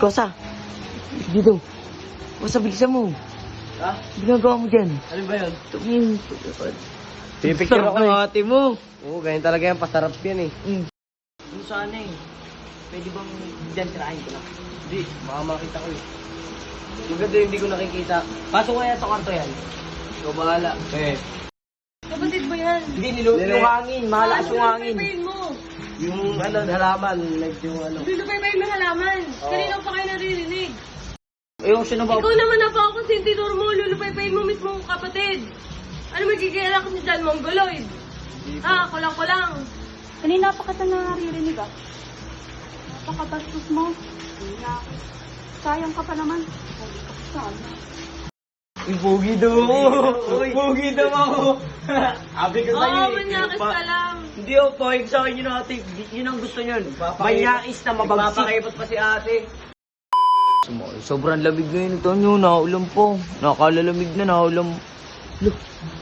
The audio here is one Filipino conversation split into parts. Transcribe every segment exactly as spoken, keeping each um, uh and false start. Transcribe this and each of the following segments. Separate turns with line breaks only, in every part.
Kosa. Dito. Kosa, bilisan mo.
Ha?
Ginagawa mo dyan.
Ano ba yun?
Tumingin.
Pipicture
Sarap
ako
ng
eh.
ate mo.
Oo, ganyan talaga yan. Pasarap yan eh.
Mm.
Kung saan eh. Pwede bang dyan tirahin ko na? Hindi, baka makita ko eh. Yung ganda hindi ko nakikita. Pasok kaya sa kwarto yan. Ikaw bahala. Eh.
Kapatid mo yan.
Hindi, nilu
Nire-
yung hangin. Malakas yung hangin.
Lulupay-payin mo.
Yung ano, halaman. Like yung ano.
Lulupay-payin mo halaman.
Oo.
Kanina pa kayo naririnig.
Ayun, siya na ba?
Ikaw naman na pa ako sentidor mo. Lulupay-payin mo mismo ang kapatid. Ano magigilala ko si John Mongoloid? Ah, kulang-kulang.
Kanina pa kita naririnig ah. Napakabastos mo. Kaya, sayang ka pa naman. Sabi ka saan?
Yung pogi daw mo. Pogi daw ako. Abi ko sa'yo
Oo,
eh.
manyakis
Pa-
ka lang.
Hindi o, pahig sa akin yun ate. Yun ang gusto niyon. Manyakis na mabagsik. Papakipot pa si ate.
Sobrang lamig ngayon ito nyo. Nakaulam po. Nakalalamig na, nakaulam. Look.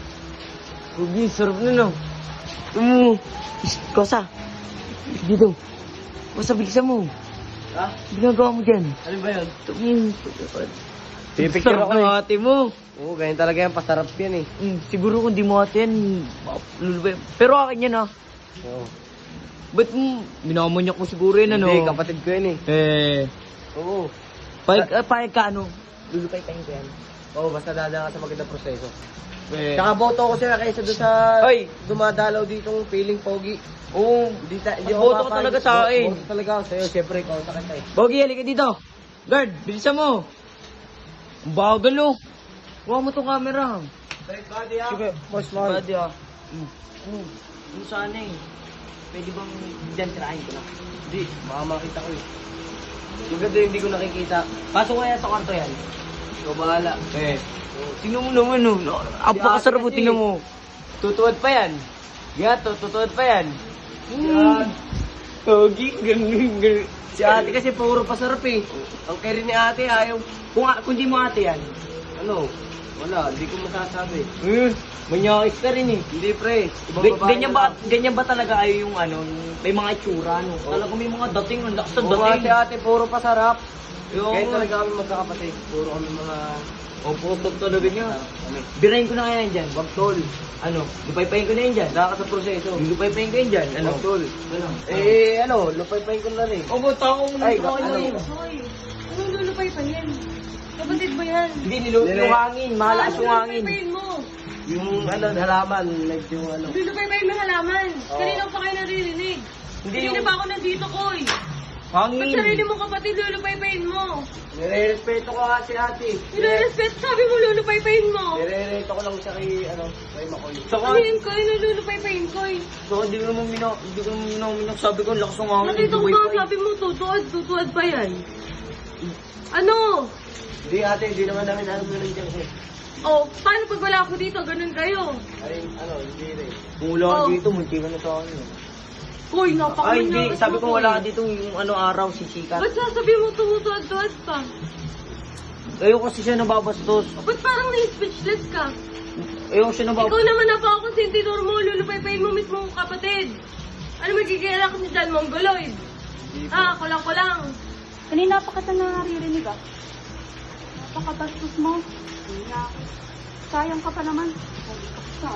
Ruby, sarap na no. Um, Kosa. Dito. Kosa, bilisan mo.
Ha?
Ginagawa mo dyan.
Ano ba yun?
Tumingin.
Pipicture
Sarap
ako
ng
eh.
ate mo.
Oo, ganyan talaga yan. Pasarap yan eh.
Mm, siguro kung di mo ate yan, lulubay. Pero akin yan ah.
Oo.
Ba't mo, minamanyak mo siguro yun ano?
Hindi, kapatid ko yan eh.
Eh,
Oo.
pahig, uh, pahig ka ano? Lulupay tayo ko yan.
Oo, basta dadaan ka sa magandang proseso.
Eh,
Tsaka boto ko sila kaysa doon sa
Ay!
dumadalaw ditong feeling pogi.
oo.
Hindi ta, hindi
Boto
ako
ka
papayag.
talaga sa akin.
Boto talaga ako sa'yo. Siyempre, ikaw sa kita eh.
Bogi, halika dito. Guard, bilisan mo. Ang bagal oh. Huwag mo tong camera.
Break body ah.
Sige,
boss
Badi ah.
Mm. Mm. Kung saan eh. Pwede bang dyan tirahin ko na? Hindi, baka makita ko eh. Yung ganda hindi ko nakikita. Pasok kaya sa kwarto yan. Ikaw bahala.
Eh, tingnan mo naman oh. Apakasarap oh,
kasi.
tingnan mo.
Tutuwad pa yan. Gato, tutuwad pa yan.
Mm. Bogi, ganun, ganun.
Si ate kasi puro pasarap eh. Ang carry ni ate ayaw. Kung, kung di mo ate yan, ano, wala, hindi ko masasabi.
Eh, manyakis ka rin eh.
Hindi pre, ibang
Ga-
babae
ganyan
na
ba,
lang.
ganyan ba talaga ay yung ano, may mga itsura no? Talaga may mga dating, ang lakas ng
Oo nga, si
dating.
ate puro pasarap.
Yung,
Kaya talaga kami magkakapatid. Puro kami mga...
oh, putog talaga niya.
Kami.
Birahin ko na kaya yan dyan.
Wag tol.
Ano, lupay-payin ko na yan dyan.
Daka sa proseso.
Lupay-payin ko yan dyan. Ano?
Wag tol.
Ano?
Eh, ano, lupay-pay ko na rin.
Oh, ba't ako mo
Ay,
nito
ano?
yun?
Hoy, anong lulupay-payin? Kapatid mo yan.
Hindi, nilu
Nire-
yung hangin. Malakas yung hangin.
Lulupay-payin mo.
Yung ano, halaman, like yung ano.
Lulupay-payin mo halaman.
Oo.
Kanina pa kayo naririnig.
Hindi
Kanina
yung-
pa ako nandito, Koy. Ba't
Hangin.
sarili mo kapatid, lulupay-payin mo?
Nire-respeto ko nga si ate.
Nire-respect, sabi mo lulupay-payin mo.
Nire-reto ko lang siya kay, ano, kay Makoy.
Saka,
Ano yun, Koy? Nululupay-payin, Koy.
saka hindi ko naman minak, hindi ko naman minaminyak. Sabi ko, ang lakas ng hangin.
Nakita ko
Lupay-payin.
ba, sabi mo, tutuad, tutuad pa yan. Ano?
Hindi ate, hindi naman namin alam na nandiyan siya.
Oh, paano pag wala ako dito? Ganun kayo.
Ay, ano, hindi rin.
Kung wala ka
Oh.
dito, munti ka na sa akin. eh.
Koy, napakaman
Ay, hindi. Sabi ko wala ka dito yung ano araw, si Chika.
Ba't sasabi mo tumutuad-tuad pa?
Ayaw kasi siya nababastos.
Ba't parang na-speechless ka?
Ayaw siya
Ikaw
nababastos.
naman na pa ako sentidor mo, lulupay-payin mo mismo ang kapatid. Ano magigilala ko si John Mongoloid? Ah, kulang-kulang.
Kanina pa kita naririnig ah. Napakabastos mo. Kaya, sayang ka pa naman. Sabi ka saan?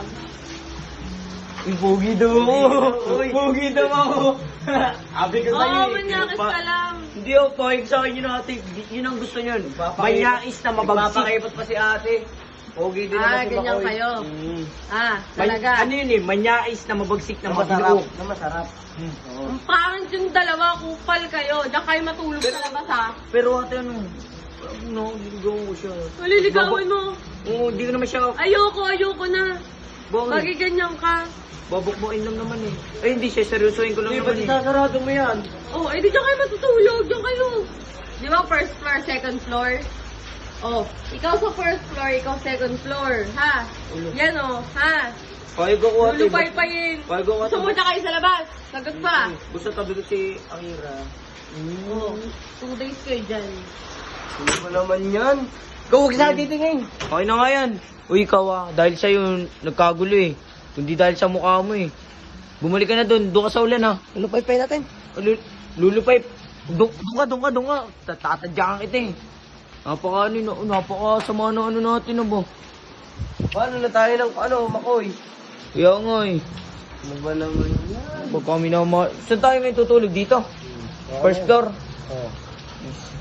Yung pogi daw mo. Pogi daw ako.
Abi ko
Oo,
sa'yo eh.
manyakis ka lang.
Hindi ako pahig sa akin yun ate. Yun ang gusto niyon. Manyakis na mabagsik.
Papakipot pa si ate. Pogi din
Ah,
naman si
ganyan
Makoy.
kayo.
Mm.
Ah,
Man-
talaga.
ano yun eh, manyakis na mabagsik na
Na masarap.
mabigo.
Na masarap. Oo.
Ang pangit yung dalawa, kupal kayo. Diyan kayo matulog sa labas, ha?
Pero ate ano, no, niligaw ko siya.
Maliligawan mo.
Oo, hindi ko naman siya,
Ayoko, ayoko na.
bakit?
Bagay ganyan ka.
Babukbukin lang naman eh. Ay hindi, siya seryosohin ko lang
Hindi,
naman
ba't
eh.
isasarado mo yan?
Oh, eh di dyan kayo matutulog. Diyan kayo. Di ba first floor, second floor? Oh, ikaw sa first floor, ikaw second floor. Ha?
Ulo.
Yan oh, ha?
Pahig ako ate.
Lulupay-payin.
Pahig ako ate.
Gusto mo dyan kayo sa labas? Sagot pa.
Gusto tabi ko si Akira.
Oh, two days kayo dyan.
Hindi mo naman yan.
Ikaw, huwag sa titingin. Okay na nga yan. Uy, ikaw ah, dahil sa'yo nagkagulo eh. Kundi dahil sa mukha mo eh. Bumalik ka na doon, doon ka sa ulan ah.
Lupay-pay natin.
Lul- lulupay. Doon doon ka, doon ka, doon ka. Tatadyakan kita eh. Napaka ano, na- napaka sama na ano natin na ba?
Paano na tayo ng, ano, Makoy?
Kaya nga eh.
Ano ba naman yan?
Pag kami na ma... Saan tayo ngayon tutulog dito? First floor.
Oh.